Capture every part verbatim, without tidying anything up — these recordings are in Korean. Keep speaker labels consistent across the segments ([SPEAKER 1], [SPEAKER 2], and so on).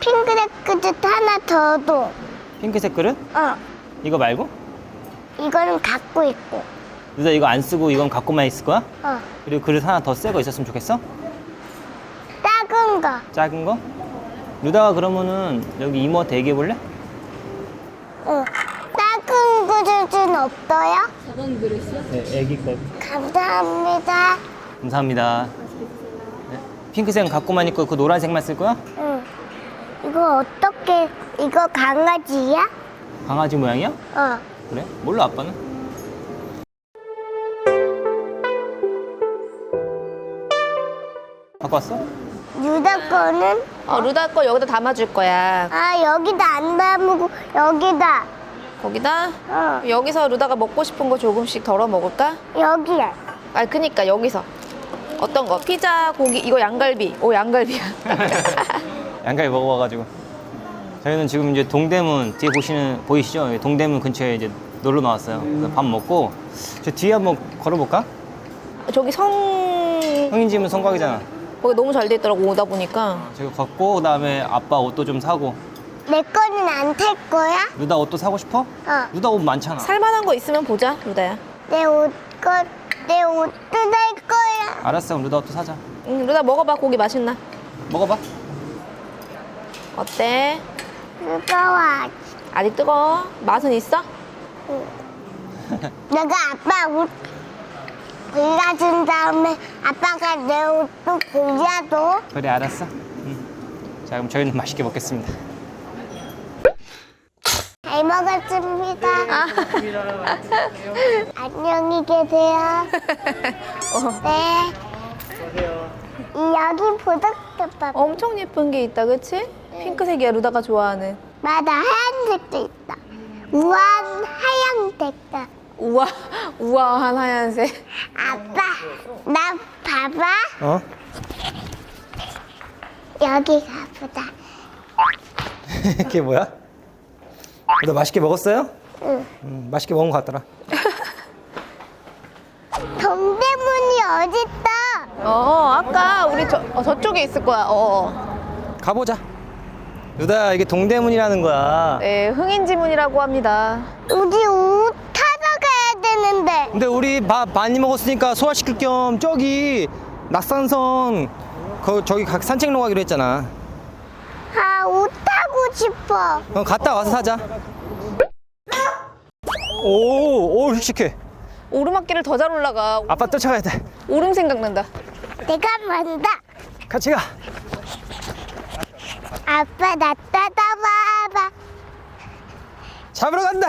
[SPEAKER 1] 핑크색 그릇 하나 더 줘.
[SPEAKER 2] 핑크색 그릇?
[SPEAKER 1] 어.
[SPEAKER 2] 이거 말고?
[SPEAKER 1] 이거는 갖고 있고.
[SPEAKER 2] 루다 이거 안 쓰고 이건 갖고만 있을 거야?
[SPEAKER 1] 어.
[SPEAKER 2] 그리고 그릇 하나 더 새 거 있었으면 좋겠어?
[SPEAKER 1] 작은 거.
[SPEAKER 2] 작은 거? 루다가 그러면은 여기 이모한테 얘기해 볼래?
[SPEAKER 1] 응. 작은 그릇은 없어요?
[SPEAKER 2] 네, 애기 거.
[SPEAKER 1] 감사합니다.
[SPEAKER 2] 감사합니다. 네. 핑크색은 갖고만 있고 그 노란색만 쓸 거야?
[SPEAKER 1] 응. 이거 어떻게, 이거 강아지야?
[SPEAKER 2] 강아지 모양이야?
[SPEAKER 1] 어.
[SPEAKER 2] 그래? 몰라 아빠는? 갖고 왔어?
[SPEAKER 1] 유다 거는?
[SPEAKER 3] 어, 루다 거 여기다 담아줄 거야.
[SPEAKER 1] 아, 여기다 안 담고, 여기다.
[SPEAKER 3] 거기다?
[SPEAKER 1] 어.
[SPEAKER 3] 여기서 루다가 먹고 싶은 거 조금씩 덜어 먹을까?
[SPEAKER 1] 여기야.
[SPEAKER 3] 아, 그니까 여기서. 어떤 거? 피자, 고기, 이거 양갈비. 오, 양갈비야.
[SPEAKER 2] 양갈비 먹어봐가지고. 저희는 지금 이제 동대문 뒤에 보시는 보이시죠? 여기 동대문 근처에 이제 놀러 나왔어요. 그래서 밥 먹고 저 뒤에 한번 걸어볼까?
[SPEAKER 3] 저기 성...
[SPEAKER 2] 형인 집은 성곽이잖아.
[SPEAKER 3] 거기 너무 잘 돼 있더라고, 오다 보니까.
[SPEAKER 2] 저기 걷고 그다음에 아빠 옷도 좀 사고.
[SPEAKER 1] 내 거는 안 탈 거야?
[SPEAKER 2] 루다 옷도 사고 싶어?
[SPEAKER 1] 어.
[SPEAKER 2] 루다 옷 많잖아.
[SPEAKER 3] 살만한 거 있으면 보자, 루다야.
[SPEAKER 1] 내 옷, 거, 내 옷도 살 거야.
[SPEAKER 2] 알았어, 그럼 루다 옷도 사자.
[SPEAKER 3] 응, 루다 먹어봐, 고기 맛있나?
[SPEAKER 2] 먹어봐.
[SPEAKER 3] 어때?
[SPEAKER 1] 뜨거워.
[SPEAKER 3] 아직 뜨거워? 맛은 있어?
[SPEAKER 1] 내가 아빠 옷 골라준 다음에 아빠가 내 옷도 골라줘.
[SPEAKER 2] 그래, 알았어. 응. 자, 그럼 저희는 맛있게 먹겠습니다.
[SPEAKER 1] 잘 먹었습니다. 안녕히 계세요. 네. 여기 보석덮밥.
[SPEAKER 3] 엄청 예쁜 게 있다, 그치? 핑크색이야, 루다가 좋아하는.
[SPEAKER 1] 맞아, 하얀색도 있다. 우아한 하얀색도.
[SPEAKER 3] 우아, 우아한 하얀색.
[SPEAKER 1] 아빠, 나 봐봐.
[SPEAKER 2] 어?
[SPEAKER 1] 여기 가보자.
[SPEAKER 2] 그게 뭐야? 루다 맛있게 먹었어요?
[SPEAKER 1] 응.
[SPEAKER 2] 음, 맛있게 먹은 것 같더라.
[SPEAKER 1] 동대문이 어딨다?
[SPEAKER 3] 어, 아까 우리 저, 어, 저쪽에 있을 거야. 어.
[SPEAKER 2] 가보자. 루다야, 이게 동대문이라는 거야.
[SPEAKER 3] 네, 흥인지문이라고 합니다.
[SPEAKER 1] 우리 옷 타러 가야 되는데.
[SPEAKER 2] 근데 우리 밥 많이 먹었으니까 소화시킬 겸 저기 낙산선 그 저기 각 산책로 가기로 했잖아.
[SPEAKER 1] 아, 옷 타고 싶어.
[SPEAKER 2] 어, 갔다 와서 사자. 오, 오, 씩씩해.
[SPEAKER 3] 오르막길을 더 잘 올라가.
[SPEAKER 2] 아빠 쫓아가야 돼.
[SPEAKER 3] 오름 생각난다.
[SPEAKER 1] 내가 먼저.
[SPEAKER 2] 같이 가.
[SPEAKER 1] 아빠 나 따라와봐.
[SPEAKER 2] 잡으러 간다.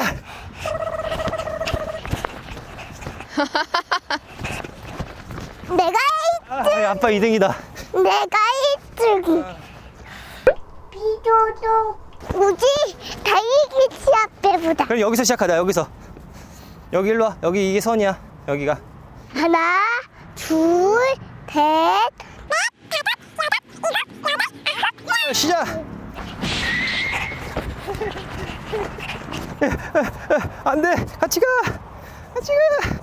[SPEAKER 1] 내가
[SPEAKER 2] 아, 아빠 이 등이다.
[SPEAKER 1] 일, 내가 일 등. 비도도 우지 달리기 시합해보자.
[SPEAKER 2] 그럼 여기서 시작하자. 여기서. 여기 일로 와. 여기 이게 선이야. 여기가.
[SPEAKER 1] 하나, 둘, 셋.
[SPEAKER 2] 시작. 안 돼. 같이 가. 같이 가.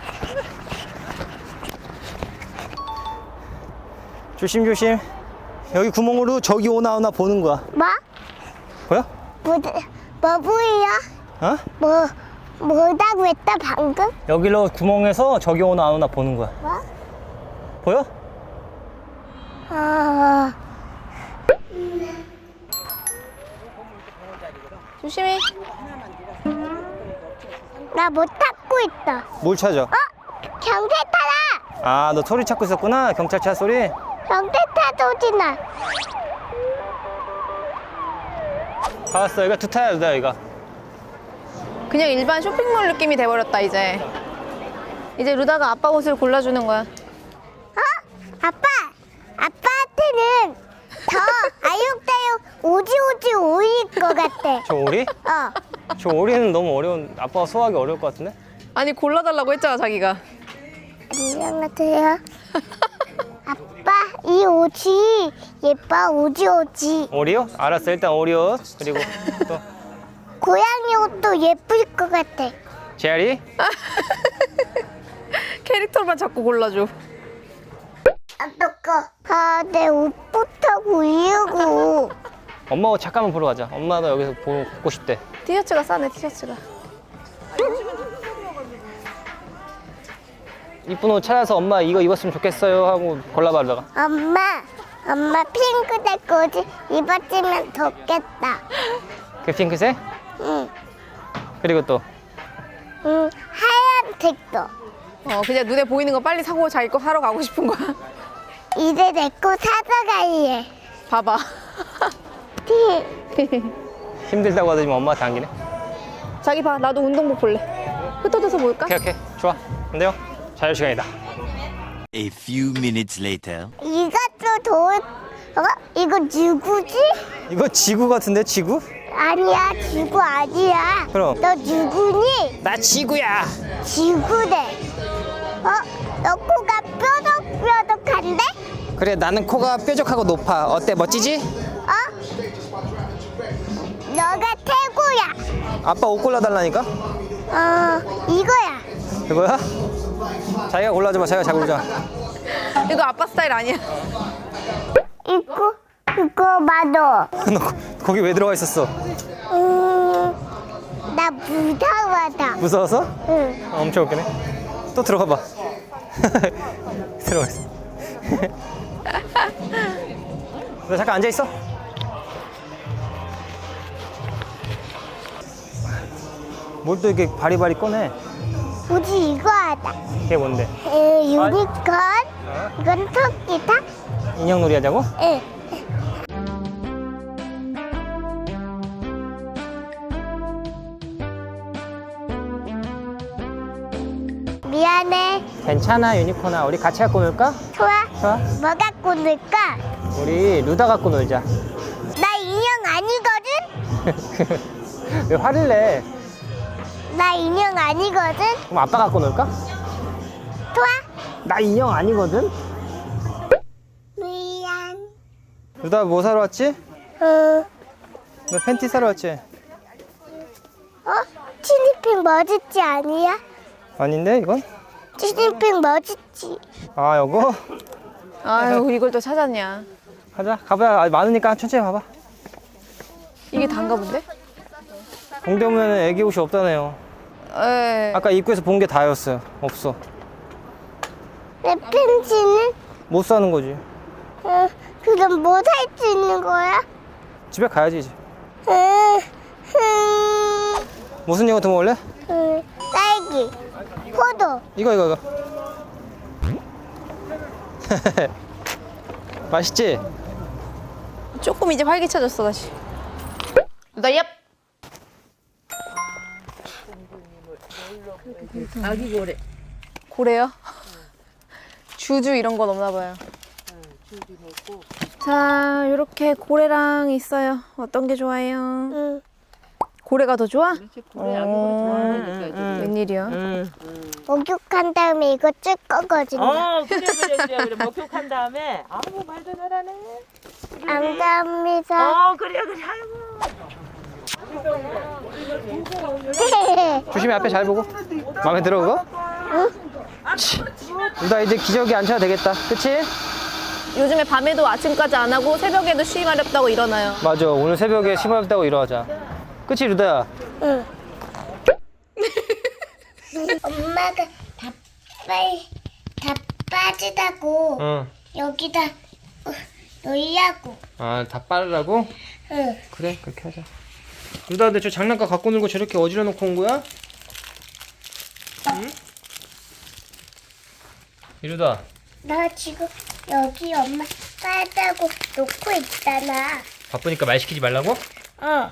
[SPEAKER 2] 조심 조심. 여기 구멍으로 저기 오나 오나 보는 거야.
[SPEAKER 1] 뭐?
[SPEAKER 2] 보여?
[SPEAKER 1] 뭐, 뭐 보여?
[SPEAKER 2] 어?
[SPEAKER 1] 뭐, 뭐라고 했다 방금?
[SPEAKER 2] 여기로 구멍에서 저기 오나 안 오나 보는 거야.
[SPEAKER 1] 뭐?
[SPEAKER 2] 보여?
[SPEAKER 1] 아,
[SPEAKER 3] 조심히.
[SPEAKER 1] 나 못 찾고 있다.
[SPEAKER 2] 뭘 찾아?
[SPEAKER 1] 어? 경찰 타라!
[SPEAKER 2] 아, 너 소리 찾고 있었구나. 경찰차 소리.
[SPEAKER 1] 경찰차 소리나.
[SPEAKER 2] 알았어. 이거 두타야, 루다 이거.
[SPEAKER 3] 그냥 일반 쇼핑몰 느낌이 돼버렸다, 이제. 이제 루다가 아빠 옷을 골라주는 거야.
[SPEAKER 1] 어? 아빠! 아빠한테는 더 아육다육 오지오지 오일 것 같아.
[SPEAKER 2] 저 오리?
[SPEAKER 1] 어.
[SPEAKER 2] 저 오리는 너무 어려운. 아빠가 소화하기 어려울 것 같은데?
[SPEAKER 3] 아니, 골라달라고 했잖아, 자기가.
[SPEAKER 1] 안녕하세요. 아빠, 이 옷이 예뻐, 오지오지.
[SPEAKER 2] 오리요? 알았어. 일단 오리요. 그리고 또
[SPEAKER 1] 고양이 옷도 예쁠 것 같아.
[SPEAKER 2] 제아리?
[SPEAKER 3] 캐릭터만 자꾸 골라줘.
[SPEAKER 1] 어떡해. 아, 내 옷부터 고르고.
[SPEAKER 2] 엄마 옷 잠깐만 보러 가자. 엄마도 여기서 보고 보고 싶대.
[SPEAKER 3] 티셔츠가 싸네 티셔츠가.
[SPEAKER 2] 이쁜 옷 찾아서 엄마 이거 입었으면 좋겠어요 하고 골라봐 그러다가.
[SPEAKER 1] 엄마, 엄마 핑크색 옷 입었으면 좋겠다.
[SPEAKER 2] 그 핑크색?
[SPEAKER 1] 응,
[SPEAKER 2] 그리고 또
[SPEAKER 1] 응, 하얀색도.
[SPEAKER 3] 어 그냥 눈에 보이는 거 빨리 사고 자기 거 사러 가고 싶은 거야.
[SPEAKER 1] 이제 내 거 사서 갈래.
[SPEAKER 3] 봐봐.
[SPEAKER 2] 힘들다고 하더니 엄마한테 안기네.
[SPEAKER 3] 자기 봐 나도 운동복 볼래. 흩어져서 볼까?
[SPEAKER 2] 오케이 오케이 좋아. 근데요 자유 시간이다.
[SPEAKER 4] A few minutes later.
[SPEAKER 1] 이것도 돌, 어? 이거 누구지?
[SPEAKER 2] 이거 지구 같은데 지구?
[SPEAKER 1] 아니야, 지구 아니야.
[SPEAKER 2] 그럼.
[SPEAKER 1] 너 누구니?
[SPEAKER 2] 나 지구야.
[SPEAKER 1] 지구래. 어? 너 코가 뾰족뾰족한데?
[SPEAKER 2] 그래 나는 코가 뾰족하고 높아. 어때 멋지지?
[SPEAKER 1] 어? 너가 최고야.
[SPEAKER 2] 아빠 옷 골라달라니까?
[SPEAKER 1] 어, 이거야.
[SPEAKER 2] 이거야? 자기가 골라줘 봐. 자기가 잘 고르자.
[SPEAKER 3] 이거 아빠 스타일 아니야.
[SPEAKER 1] 이거, 이거 봐도.
[SPEAKER 2] 너 거- 거기 왜 들어가 있었어?
[SPEAKER 1] 음, 나 무서워서.
[SPEAKER 2] 무서워서?
[SPEAKER 1] 응.
[SPEAKER 2] 어, 엄청 웃기네. 또 들어가 봐. 들어가 있어. 너 잠깐 앉아 있어. 뭘 또 이렇게 바리바리 꺼내?
[SPEAKER 1] 우리 이거 하자.
[SPEAKER 2] 그게 뭔데?
[SPEAKER 1] 에, 유니콘. 이건 토끼다.
[SPEAKER 2] 인형놀이 하자고?
[SPEAKER 1] 응. 미안해.
[SPEAKER 2] 괜찮아 유니콘아. 우리 같이 갖고 놀까?
[SPEAKER 1] 좋아.
[SPEAKER 2] 좋아.
[SPEAKER 1] 뭐 갖고 놀까?
[SPEAKER 2] 우리 루다 갖고 놀자.
[SPEAKER 1] 나 인형 아니거든?
[SPEAKER 2] 왜 화를 내?
[SPEAKER 1] 나 인형 아니거든?
[SPEAKER 2] 그럼 아빠 갖고 놀까?
[SPEAKER 1] 좋아.
[SPEAKER 2] 나 인형 아니거든?
[SPEAKER 1] 미안.
[SPEAKER 2] 루다 뭐 사러 왔지?
[SPEAKER 1] 어,
[SPEAKER 2] 너 팬티 사러 왔지?
[SPEAKER 1] 어? 티니핑 멋있지 아니야?
[SPEAKER 2] 아닌데 이건?
[SPEAKER 1] 티니핑 멋있지.
[SPEAKER 2] 아 요거?
[SPEAKER 3] 아유 이걸 또 찾았냐.
[SPEAKER 2] 가자 가봐야 아직 많으니까 천천히 가봐.
[SPEAKER 3] 이게 단가 본데?
[SPEAKER 2] 동대문에는 애기 옷이 없다네요.
[SPEAKER 3] 에.
[SPEAKER 2] 아까 입구에서 본 게 다였어요. 없어.
[SPEAKER 1] 내 팬티는?
[SPEAKER 2] 못 사는 거지.
[SPEAKER 1] 어, 그럼 뭐 살 수 있는 거야?
[SPEAKER 2] 집에 가야지 이제.
[SPEAKER 1] 응, 응,
[SPEAKER 2] 무슨 요거트 먹을래?
[SPEAKER 1] 응. 딸기, 포도.
[SPEAKER 2] 이거 이거 이거. 맛있지?
[SPEAKER 3] 조금 이제 활기차졌어 다시. 나 얍.
[SPEAKER 5] 아기 고래.
[SPEAKER 3] 고래요? 주주 이런 건 없나 봐요. 자, 이렇게 고래랑 있어요. 어떤 게 좋아요?
[SPEAKER 1] 응.
[SPEAKER 3] 고래가 더 좋아?
[SPEAKER 5] 고래 아기 고래 좋아하니까.
[SPEAKER 3] 웬일이야?
[SPEAKER 1] 목욕한 다음에 이거 쓸 거거든요.
[SPEAKER 5] 어 그래 그래 그래 그래 목욕한 다음에 아무 말도 잘하네.
[SPEAKER 1] 감사합니다.
[SPEAKER 5] 어 그래 그래 아이고.
[SPEAKER 2] 조심히 앞에 잘 보고. 마음에 들어 그거? 치. 나 이제 기저귀 안 차도 되겠다. 그치?
[SPEAKER 3] 요즘에 밤에도 아침까지 안 하고 새벽에도 쉬기 마렵다고 일어나요.
[SPEAKER 2] 맞아. 오늘 새벽에 심하다고 일어나자. 그치 루다야?
[SPEAKER 1] 응. 엄마가 다 빨리 다 빠지다고
[SPEAKER 2] 응.
[SPEAKER 1] 여기다 어, 놀라고.
[SPEAKER 2] 아, 다 빠르라고?
[SPEAKER 1] 응.
[SPEAKER 2] 그래, 그렇게 하자. 루다, 근데 저 장난감 갖고 놀고 저렇게 어지러 놓고 온 거야? 응? 이루다.
[SPEAKER 1] 나 지금 여기 엄마 빠다고 놓고 있잖아.
[SPEAKER 2] 바쁘니까 말 시키지 말라고?
[SPEAKER 1] 어.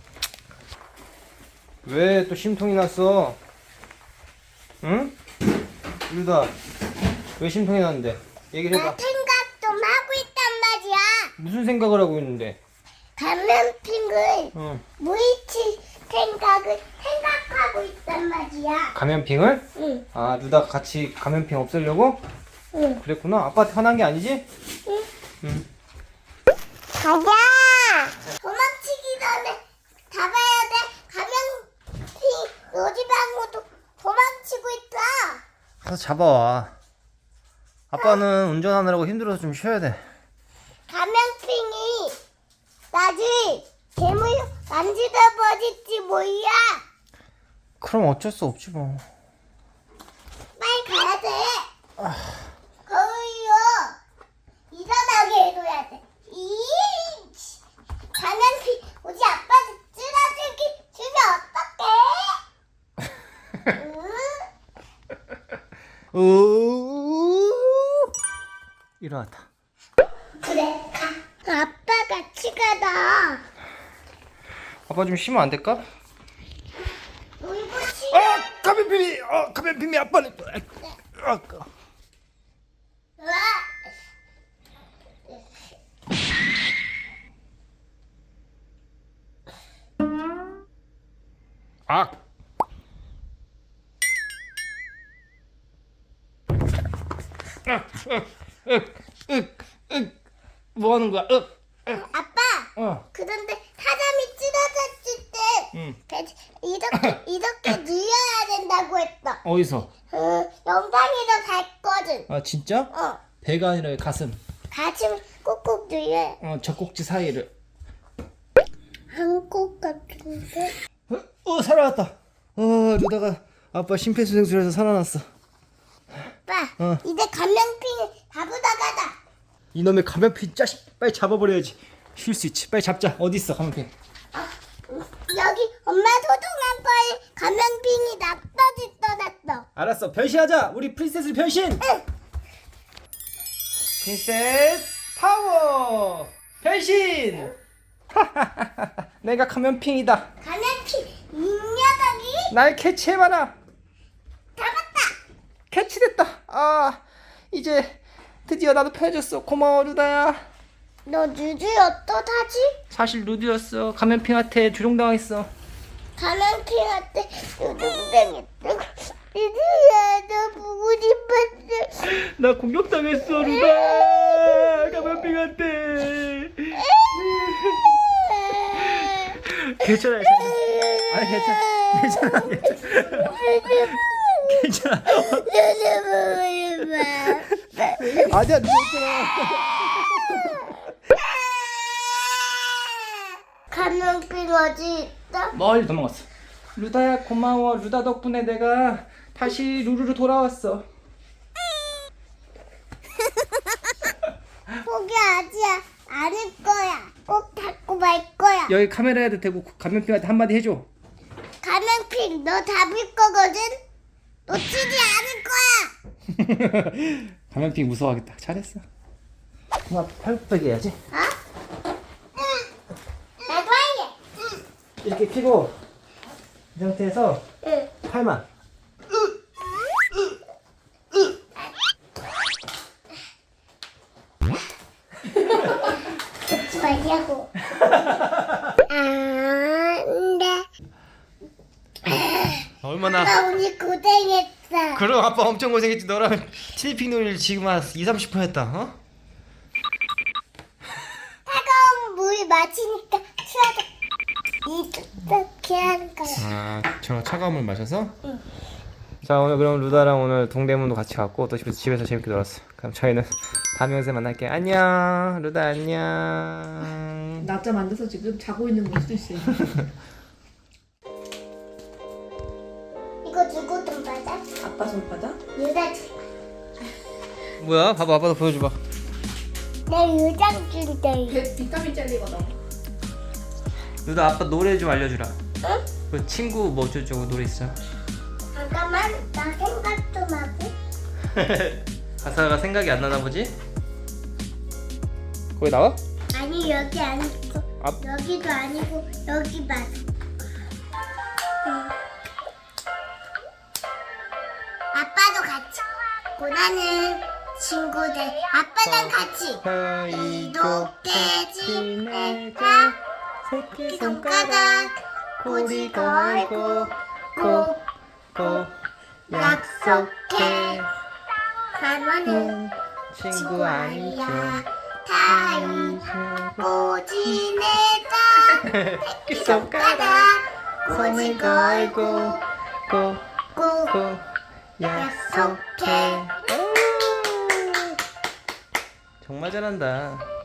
[SPEAKER 2] 왜 또 심통이 났어? 응? 이루다. 왜 심통이 났는데? 얘기를
[SPEAKER 1] 나
[SPEAKER 2] 해봐.
[SPEAKER 1] 생각 좀 하고 있단 말이야.
[SPEAKER 2] 무슨 생각을 하고 있는데?
[SPEAKER 1] 감염핑을
[SPEAKER 2] 응.
[SPEAKER 1] 무이치 생각을 생각하고 있단 말이야.
[SPEAKER 2] 감염핑을?
[SPEAKER 1] 응.
[SPEAKER 2] 아, 루다 같이 감염핑 없애려고?
[SPEAKER 1] 응.
[SPEAKER 2] 그랬구나. 아빠한테 화난 게 아니지? 응.
[SPEAKER 1] 가자. 도망치기 전에 잡아야 돼. 감염핑 요지방으로 도망치고 있다.
[SPEAKER 2] 가서 잡아와. 아빠는 운전하느라고 힘들어서 좀 쉬어야 돼.
[SPEAKER 1] 감염핑이 나 아직 괴물 만지다 버릴지 몰라.
[SPEAKER 2] 그럼 어쩔 수 없지 뭐.
[SPEAKER 1] 빨리 가야 돼. 거울요. 일어나게 해줘야 돼. 이 가면피 우리 아빠한테 쓰러지기 주면 어떡해? 응?
[SPEAKER 2] 우 일어났다.
[SPEAKER 1] 그래 가. 아빠 같이 가다.
[SPEAKER 2] 아빠 좀 쉬면 안 될까?
[SPEAKER 1] 울고 싶어.
[SPEAKER 2] 아 가면빔이 어 가면빔이 아빠는 아, 아.
[SPEAKER 1] 으아.
[SPEAKER 2] 아. 뭐 하는 거야? 으, 으.
[SPEAKER 1] 아빠.
[SPEAKER 2] 어.
[SPEAKER 1] 그런데 사람이 쓰러졌을 때
[SPEAKER 2] 응.
[SPEAKER 1] 배- 이렇게 이렇게 누워야 된다고 했다.
[SPEAKER 2] 어디서?
[SPEAKER 1] 어, 영상에서 봤거든.
[SPEAKER 2] 아 진짜?
[SPEAKER 1] 어,
[SPEAKER 2] 배가 아니라 가슴.
[SPEAKER 1] 가슴 꾹꾹 누려.
[SPEAKER 2] 어 젖꼭지 사이를.
[SPEAKER 1] 한국 같은데.
[SPEAKER 2] 어, 어 살아났다. 어 루다가 아빠 심폐소생술에서 살아났어.
[SPEAKER 1] 아빠,
[SPEAKER 2] 어.
[SPEAKER 1] 이제 감명핑 잡으다 가자.
[SPEAKER 2] 이놈의 가면핀 자식 빨리 잡아버려야지. 쉴 수 있지. 빨리 잡자. 어디 있어 가면핀?
[SPEAKER 1] 어, 여기 엄마 소중한 거에 감명핑이 납떠지 떠났어.
[SPEAKER 2] 알았어. 변신하자. 우리 프린세스 변신.
[SPEAKER 1] 응.
[SPEAKER 2] 프린세스 파워 변신. 내가 가면핑이다.
[SPEAKER 1] 감명핑 이 녀석이
[SPEAKER 2] 날 캐치해봐라.
[SPEAKER 1] 잡았다.
[SPEAKER 2] 캐치됐다. 아 이제 드디어 나도 편해졌어. 고마워 루다야.
[SPEAKER 1] 너 누드 어떠하지?
[SPEAKER 2] 사실 루드였어. 가면핑한테 조종당했어.
[SPEAKER 1] 감명핑한테 누둥당했다고. 누드야, 너 보고 싶었어.
[SPEAKER 2] 나 공격당했어 루다. 가면핑한테. 괜찮아. 아니 괜찮아. 괜찮아. 괜찮아. 아니야 괜찮아.
[SPEAKER 1] 감명핑 어디 있어?
[SPEAKER 2] 멀리 도망갔어. 루다야 고마워. 루다 덕분에 내가 다시 루루로 돌아왔어.
[SPEAKER 1] 포기하지 않을 거야. 꼭 잡고 말 거야.
[SPEAKER 2] 여기 카메라에도 대고 가면핑한테 한마디 해줘.
[SPEAKER 1] 감명핑 너 잡을 거거든? 놓치지 않을 거야.
[SPEAKER 2] 가면핑 무서워하겠다. 잘했어. 엄마 팔굽혀펴기 해야지.
[SPEAKER 1] 어? 응. 나도 할래. 응.
[SPEAKER 2] 이렇게 피고 이 상태에서
[SPEAKER 1] 응.
[SPEAKER 2] 팔만.
[SPEAKER 1] 하지 말라고. 안 돼.
[SPEAKER 2] 얼마나
[SPEAKER 1] 나 오늘 고생했어.
[SPEAKER 2] 그럼 아빠 엄청 고생했지. 너랑 티니핑 놀이를 지금 한 이삼십 분 했다. 어?
[SPEAKER 1] 차가운 물 마시니까 추워져. 이렇게 하는 거야.
[SPEAKER 2] 아, 저 차가운 물 마셔서? 응. 자, 오늘 그럼 루다랑 오늘 동대문도 같이 갔고 또 집에서, 집에서 재밌게 놀았어. 그럼 저희는 다음 영상에 만날게요. 안녕. 루다 안녕.
[SPEAKER 3] 낮잠 안 자서 지금 자고 있는 걸 수도 있어요.
[SPEAKER 1] 이거 누구 좀 받아?
[SPEAKER 3] 아빠 손바닥?
[SPEAKER 1] 유다 줄.
[SPEAKER 2] 뭐야? 봐봐, 아빠도 보여줘봐.
[SPEAKER 1] 내 유장 준대.
[SPEAKER 3] 배 비타민 젤리거든.
[SPEAKER 2] 루다 아빠 노래 좀 알려주라.
[SPEAKER 1] 응?
[SPEAKER 2] 그 친구 뭐 어쩌고저쩌고 노래 있어.
[SPEAKER 1] 잠깐만, 나 생각 좀 하고.
[SPEAKER 2] 가사가 생각이 안 나나 보지? 거기 나와?
[SPEAKER 1] 아니 여기 아니고
[SPEAKER 2] 아.
[SPEAKER 1] 여기도 아니고 여기 맞아. 응. 아빠도 같이. 고나는 친구들. 아빠랑 같이. 이렇게 지내자. 새끼손가락 고리 걸고 꼭 약속해. 가면은 친구 아니야. 다 잊고 지내자. 새끼손가락 고리 걸고 꼭 약속해.
[SPEAKER 2] 정말 잘한다.